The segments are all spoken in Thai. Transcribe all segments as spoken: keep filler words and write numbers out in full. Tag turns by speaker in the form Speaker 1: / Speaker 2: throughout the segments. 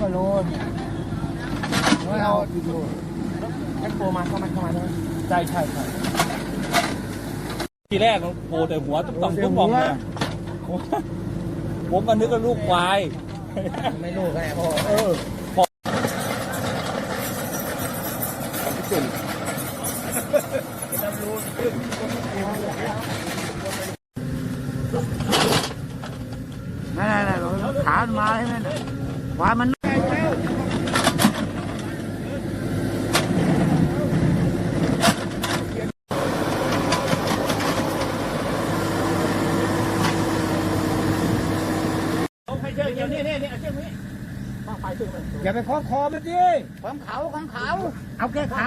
Speaker 1: ว่าโลเนี่ยไม่เอากี่โลแอปโปมาเข้ามาเข้ามาใช่ไหมใช่ใช่ใช่ทีแรกโผล่แต่หัวตุ๊บต่อมตุ๊บป่องเนี่ยผมก็นึกว่าลูกควายไม่ลูกไงพ่อเออนั่นนั่นขามาใช่ไหมขวามันอย่าไปคล้องคอมันดิของเขาของเขาเอาแค่เขา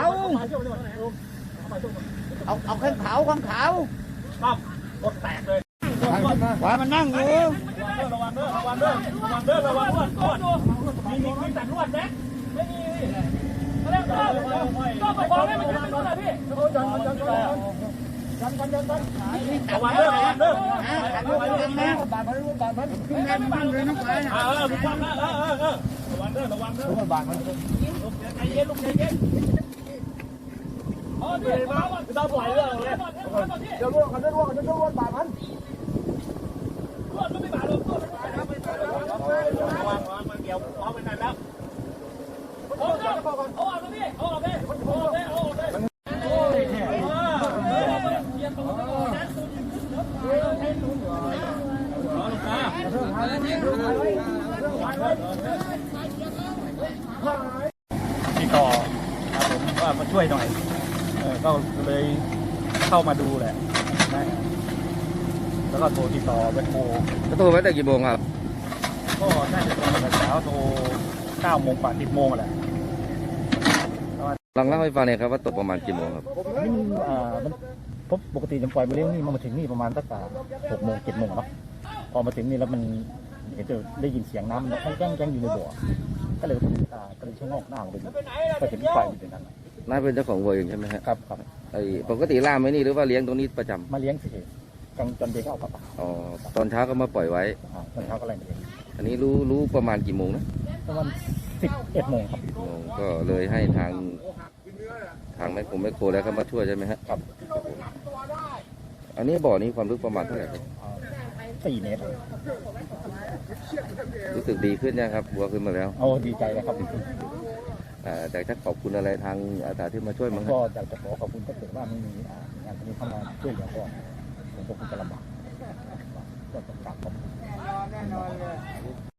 Speaker 1: เอาเอาแค่เขาของเขาปั๊บกดแตกเลยขวามันนั่งอยู่ระวังเด้อระวังเด้อระวังเด้อระวังเด้อระวังมีมีมีแต่นวดไหมไม่มีก็แล้วก็ก็ไปบอกให้มันนวดเลยพี่จันจันจันจันจันจันระวังเด้อระวังเด้อบาดมันบาดมันขึ้นแรงมันเลยน้องชายเออมีความนะเออเออเออระวังเด้อระวังเด้อบาดมันใจเย็นลูกใจเย็นอ๋อพี่มาไม่ต้องปล่อยเรื่องเลยเดี๋ยวร่วงกันเดี๋ยวร่วงกันเดี๋ยวร่วงบาดมันร่วงก็ไม่บาดหรอกร่วงไม่บาดระวังระวังมันเกี่ยวพร้อมกันนั่นแล้วเอาเอาเอาออกเลยพี่เอาออกเลยเอาออกเลยเอาออกเลยโอ้ยเยี่ยมตรงนี้ติดต่อผมว่ามาช่วยหน่อยเออก็เลยเข้ามาดูแหละนะแล้วก็โทรติดต่อไปโทร
Speaker 2: โทรไปตั้งกี่โมงครับ
Speaker 1: ก็น่าจะตอนแต่เช้าโทรเก้าโมงกว่าสิบโมงแหละ
Speaker 2: ลองเล่าให้ฟังหน่อยครับว่าตกประมาณกี่โมงครับ
Speaker 1: นี่อ่ามันพบปกติจะปล่อยมาเลี้ยงนี่มาถึงนี่ประมาณตั้งแต่หกโมงเจ็ดโมงเนาะพอมาถึงนี่แล้วมันเห็นจะได้ยินเสียงน้ำมันแจ้งแจ้งอยู่ในบ่อก็เลยอ่าก็เลยชะงอกหน้าออกไปดูก็เห็นไฟอยู่ตรงนั้น
Speaker 2: น่าเป็นเจ้าของวัวเองใช่ไหมครับ
Speaker 1: ครับครับ
Speaker 2: ไอ้ปกติล่ามไหมนี่หรือว่าเลี้ยงตรงนี้ประจำ
Speaker 1: มาเลี้ยงสิกลางจนเด็กเอาปลา
Speaker 2: อ๋อตอนเช้าก็มาปล่อยไว้
Speaker 1: ตอนเช้าก็อะไรเอง
Speaker 2: อันนี้รู้รู้ประมาณกี่โมงนะ
Speaker 1: ประมาณสิบเอ็ดโมงครับ
Speaker 2: ก็เลยให้ทางทางแม่คงแม่โคแล้วก็มาช่วยใช่ไหม
Speaker 1: ครับ
Speaker 2: อันนี้บ่อนี้ความลึกประมาณเท่าไหร่ครับ
Speaker 1: สี่เมตร
Speaker 2: รู้สึกดีขึ้นยังครับวัวขึ้นมาแล้ว
Speaker 1: โอ้ดีใจเลยครับ
Speaker 2: แต่ถ้าขอบคุณอะไรทางอาสาที่มาช่วยมั้ง
Speaker 1: ก็อยากจะขอขอบคุณถ้าเกิดว่าไม่มีงานนี้เข้ามาช่วยเหลือก็ผมก็คงจะลำบากก็ต้องกราบขอบคุณ